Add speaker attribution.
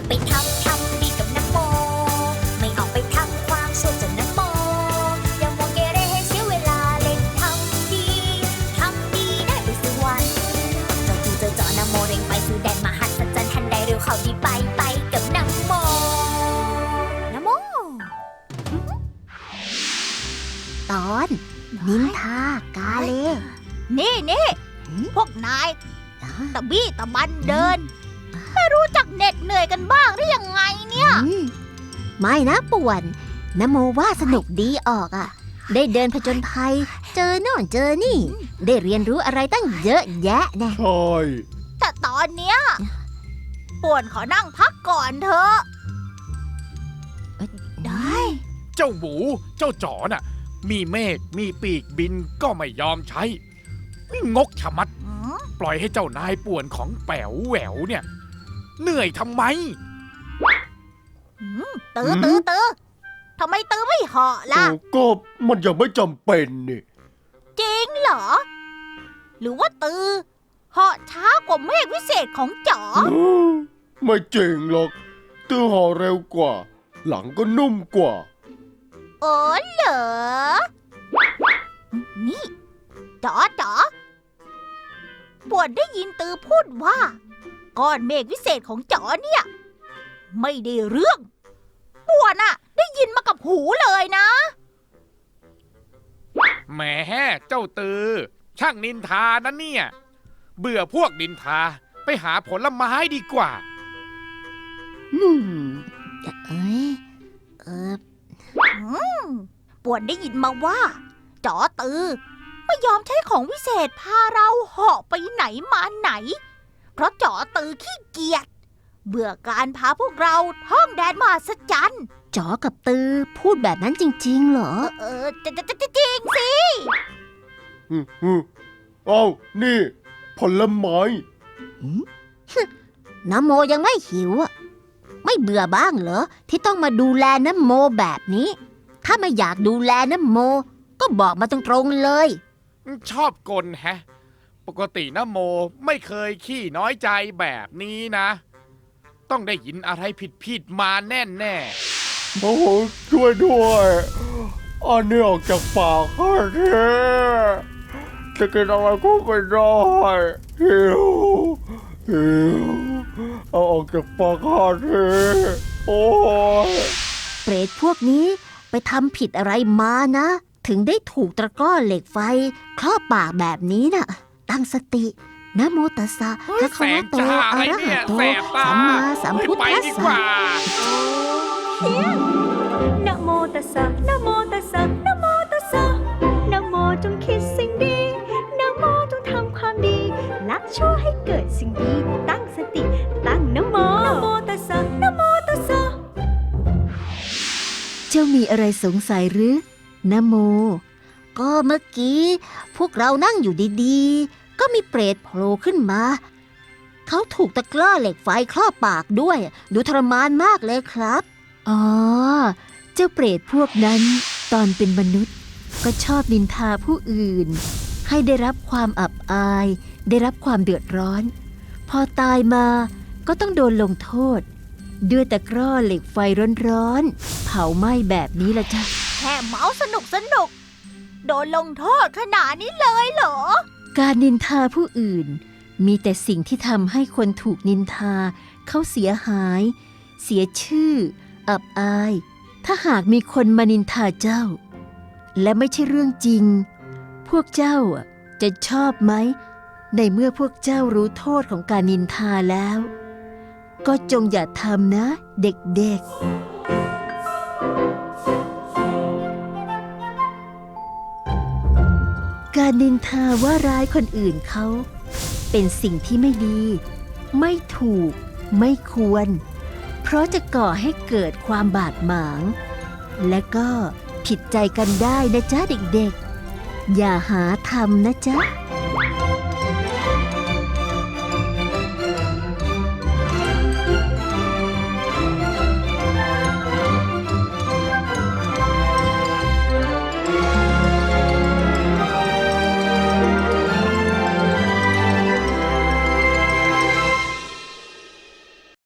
Speaker 1: ไปทำดีกับน้ำโมไม่ออกไปทำความชั่วจากน้ำโมอย่ามัวเกเรให้เสียเวลาเล่นทำดีได้ไปสวรรค์เจ้าจูเจอเจาะน้ำโมเร่งไปสู่แดนมหัศจรรย์ทันใดเร็วเข้าดีไปกับน้ำโม
Speaker 2: ตอนนินทากาเล
Speaker 3: นี่พวกนายตะบี้ตะบันเดินไม่รู้จักเหน็ดเหนื่อยกันบ้างหรือยังไงเนี่ย
Speaker 2: ไม่นะป่วนนโมว่าสนุกดีออกอ่ะได้เดินผจญภัยเจอโน่นเจอนี่ได้เรียนรู้อะไรตั้งเยอะแยะนะ
Speaker 4: ใช่
Speaker 3: แต่ตอนเนี้ยป่วนขอนั่งพักก่อนเถอะได้
Speaker 4: เจ้าหมูเจ้าจ๋อน่ะมีเมฆมีปีกบินก็ไม่ยอมใช้งกชะมัดปล่อยให้เจ้านายป่วนของแป๋วแหววเนี่ยเหนื่อยทำไม
Speaker 3: ตื้อทำไมตื้อไม่เหาะล่ะ
Speaker 4: ก็มันยังไม่จำเป็นนี่
Speaker 3: จริงเหรอหรือว่าตื้อเหาะช้ากว่าเมฆวิเศษของจ๋อ
Speaker 4: ไม่จริงหรอกตื้อเหาะเร็วกว่าหลังก็นุ่มกว่า
Speaker 3: เหรอนี่จ๋อป่วนได้ยินตือพูดว่าก้อนเมฆวิเศษของจ๋อเนี่ยไม่ได้เรื่องป่วนอะได้ยินมากับหูเลยนะ
Speaker 4: แหมเจ้าตือช่างนินทานะเนี่ยเบื่อพวกนินทาไปหาผลไม้ดีกว่า
Speaker 3: ป่วนได้ยินมาว่าจ๋อตือไม่ยอมใช้ของวิเศษพาเราเหาะไปไหนมาไหนเพราะจ๋อตือขี้เกียจเบื่อการพาพวกเราท่องแดนมหัศจรรย์
Speaker 2: จ๋อกับตือพูดแบบนั้นจริงๆเหรอ
Speaker 3: จริงสิ
Speaker 4: เอานี่ผลไม้
Speaker 2: น้ำโมยังไม่หิวอ่ะไม่เบื่อบ้างเหรอที่ต้องมาดูแลน้ำโมแบบนี้ถ้าไม่อยากดูแลน้ำโมก็บอกมาตรงๆเลย
Speaker 4: ชอบกลแฮะปกติน้ำโมไม่เคยขี้น้อยใจแบบนี้นะต้องได้ยินอะไรผิดมาแน่โอ้โหช่วยด้วยอันนี้ออกจากปากข้าแท้จะกินอะไรก็ไม่ได้หิวเอาออกจากปากข้าแท้โอ้ย
Speaker 2: เปรตพวกนี้ไปทำผิดอะไรมานะถึงได้ถูกตะกร้อเหล็กไฟครอบปากแบบนี้น่ะตั้งสตินะโมตัสสะพระคะวะโตอะระหะโตสัมมาสัมพุทธัสสะ
Speaker 1: นะโมตัสสะนะโมตัสสะนะโมตัสสะนะโมจงคิดสิ่งดีนะโมจงทำความดีละชั่วให้เกิดสิ่งดีตั้งสติตั้งนะโมนะโมตัสสะนะโมตัสสะ
Speaker 2: เจ้ามีอะไรสงสัยหรือนะโมก็เมื่อกี้พวกเรานั่งอยู่ดีๆก็มีเปรตโผล่ขึ้นมาเขาถูกตะกร้อเหล็กไฟครอบปากด้วยดูทรมานมากเลยครับอ๋อเจ้าเปรตพวกนั้นตอนเป็นมนุษย์ก็ชอบนินทาผู้อื่นให้ได้รับความอับอายได้รับความเดือดร้อนพอตายมาก็ต้องโดนลงโทษด้วยตะกร้อเหล็กไฟร้อนๆเผาไหม้แบบนี้ละจ้ะ
Speaker 3: แค่เมาสนุกโดนลงโทษขนาดนี้เลยเหรอ
Speaker 2: การนินทาผู้อื่นมีแต่สิ่งที่ทำให้คนถูกนินทาเขาเสียหายเสียชื่ออับอายถ้าหากมีคนมานินทาเจ้าและไม่ใช่เรื่องจริงพวกเจ้าจะชอบไหมในเมื่อพวกเจ้ารู้โทษของการนินทาแล้วก็จงอย่าทำนะเด็กๆการนินทาว่าร้ายคนอื่นเขาเป็นสิ่งที่ไม่ดีไม่ถูกไม่ควรเพราะจะก่อให้เกิดความบาดหมางและก็ผิดใจกันได้นะจ๊ะเด็กๆอย่าหาทำนะจ๊ะ